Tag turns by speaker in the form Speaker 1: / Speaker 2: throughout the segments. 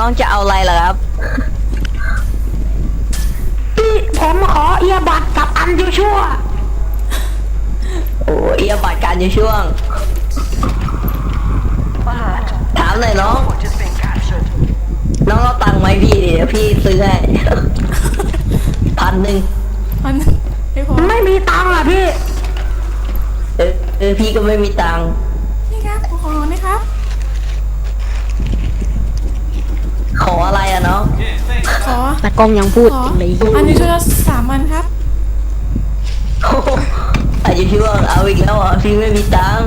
Speaker 1: องจะเอาอะไรล่ะครับ
Speaker 2: ผมขอเอียบัตรกับอันยูชั่ว
Speaker 1: โอ้เอียบัตรการอยู่ช่วงถามหน่อยน้องเอาตังค์ไหมพี่เดี๋ยวพี่ซื้อให้ 1,000
Speaker 3: มันไม่พอ
Speaker 2: ไม่มีตังค์อ่ะพี่
Speaker 1: พี่ก็ไม่มีตังค์
Speaker 3: นี่ครับขอนะครับ
Speaker 1: ขออะไรอะน้อง
Speaker 3: ขอ
Speaker 4: ตากล้องยังพูด
Speaker 3: ขอ
Speaker 4: เลย
Speaker 3: อันนี้ชุดละ3 อันครับ
Speaker 1: โอ้โหอายุช่วงเอาอีกแล้วเหรอพี่ไม่มีตังค์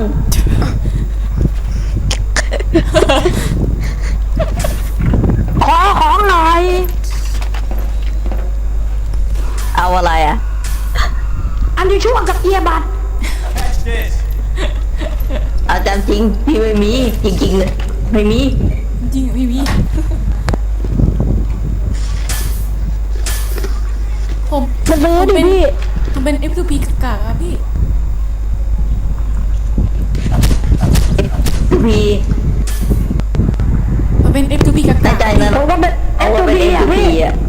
Speaker 2: ขอของหน่อย
Speaker 1: เอาอะไรอะ
Speaker 2: อันยูชั่วกับเอียบัตร
Speaker 1: อาจารย์จริงพี่ไม่มีจริงๆเลยไม่มี
Speaker 3: จริงพี่พี่ผม
Speaker 2: มันซื้อดิพี่
Speaker 3: ผมเป็น F2P กากๆครับพี่
Speaker 1: พี่
Speaker 3: ผมเป็น F2P กาก
Speaker 1: แน่ใจนะ
Speaker 2: ผมก็เป็น
Speaker 1: เอา
Speaker 2: F2P
Speaker 1: ว่าเป็น
Speaker 2: อ่ะ
Speaker 1: F2P
Speaker 2: พี่
Speaker 1: อ่ะ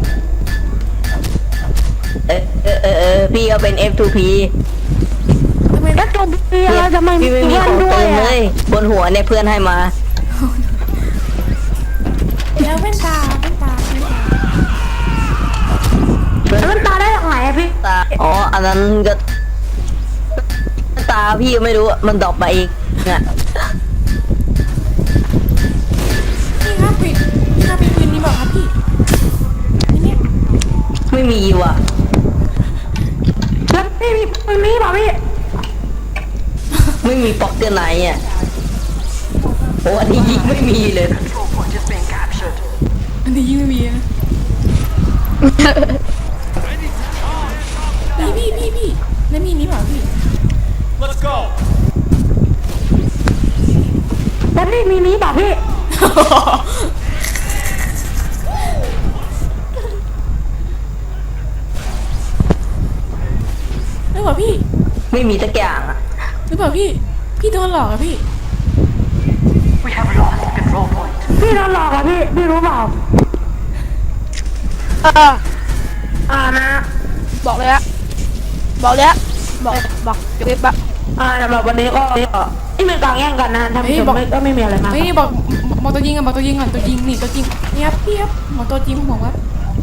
Speaker 1: พี่ก็เป็น F2P
Speaker 3: ทำไม
Speaker 2: แล้วตัวพี่เราจะไม่มี
Speaker 1: พี่ไม่มี
Speaker 2: เพื่อน
Speaker 1: ของ
Speaker 2: ด้ว
Speaker 1: เติ
Speaker 2: ย
Speaker 1: มเล
Speaker 2: อ่ะ
Speaker 1: ยบนหัวเนี่ยเพื่อนให้มา
Speaker 3: แล้วแว่นตา
Speaker 2: มันตาได้จากไหนอะพี่
Speaker 1: ตาอ๋ออันนั้นก็ตาพี่ไม่รู้มันดรอปมาอีกเนี่ย
Speaker 3: นี่ครับปิดนี่ครับเป็นปืนนี่บอกครับพี่นี่เนี่ย
Speaker 1: ไม่มีว่ะ
Speaker 2: แล้วพี่มีเปล่าพี่
Speaker 1: ไม่มีป๊อกเกอร์ไหนอ่ะโอ้อันนี้ยิงไม่มีเลย
Speaker 3: อันนี้ยิ่งไม่มีนะพี่แล้วมีนี่เปล่าพี่
Speaker 5: Let's go.
Speaker 2: แล้วพี่มีเปล่าพี่
Speaker 3: หรือเปล่าพี่
Speaker 1: ไม่มีสักอย่างอ่ะ
Speaker 3: หรือเปล่าพี่โดนหลอกอะพี่
Speaker 2: พี่โดนหลอกอะพี่รู้เปล่านะ
Speaker 4: บอกเลยอะบอกจะเว็บอะ
Speaker 2: สำหรับวันนี้ก็ไม่มีการแย่งกันนะท่านผู้ชมก็ไม่มีอะไรมาก
Speaker 3: เฮ้ยบอกตัวยิงก่อนตัวยิงนี่ตัวจริงเนี่ยครับพี่ครับบอกตัวจริงของผมครับ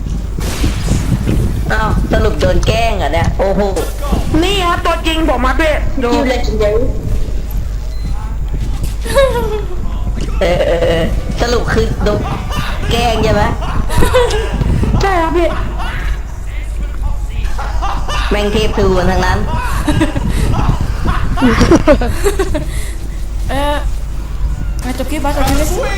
Speaker 1: อ้าวสรุปโดนแกล้งเหรอ่ะเนี่ยโอ้โห
Speaker 2: นี่ครับตัวจริงผมมาพี่ดู
Speaker 1: คิวเลยจริงสรุปคือโดนแกล้งใช่ไหม
Speaker 2: ใช่ครับพี่
Speaker 1: แม่งเทพทูกันทั้งนั้น
Speaker 3: มาจบคลิปเลยสิ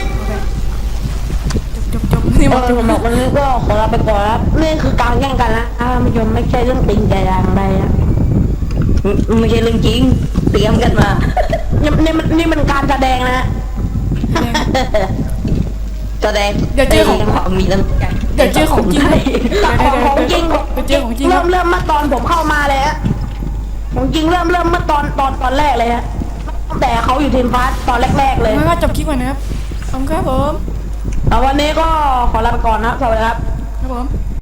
Speaker 3: จบนี่บอกจบ
Speaker 2: ผมบอกวันนี้ก็ขอลาไปก่อนครับนี่คือการแย่งกันนะท่านผู้ชมไม่ใช่เรื่องจริงใจอย่างใดนะ
Speaker 1: ไม่ใช่เรื่องจริงเตรียมกันมา
Speaker 2: นี่มันการแสดงนะ
Speaker 1: แสดง
Speaker 3: เดี๋ยวเจอของ
Speaker 1: ความมีน้ำใจ
Speaker 3: เดี๋ยวเจอของจริง
Speaker 2: ของจริง
Speaker 3: เจอของจริง
Speaker 2: เริ่มเมื่อตอนผมเข้ามาเลยฮะของจริงเริ่มเมื่อตอนแรกเลยฮะตั้งแต่เขาอยู่ทีมฟ้าตอนแรกๆเลย
Speaker 3: ไม่ว่าจบคลิปก่อนนะครับขอบคุณครับผม
Speaker 2: วันนี้ก็ขอลาไปก่อนนะสวัสดีครับ
Speaker 3: ครับผม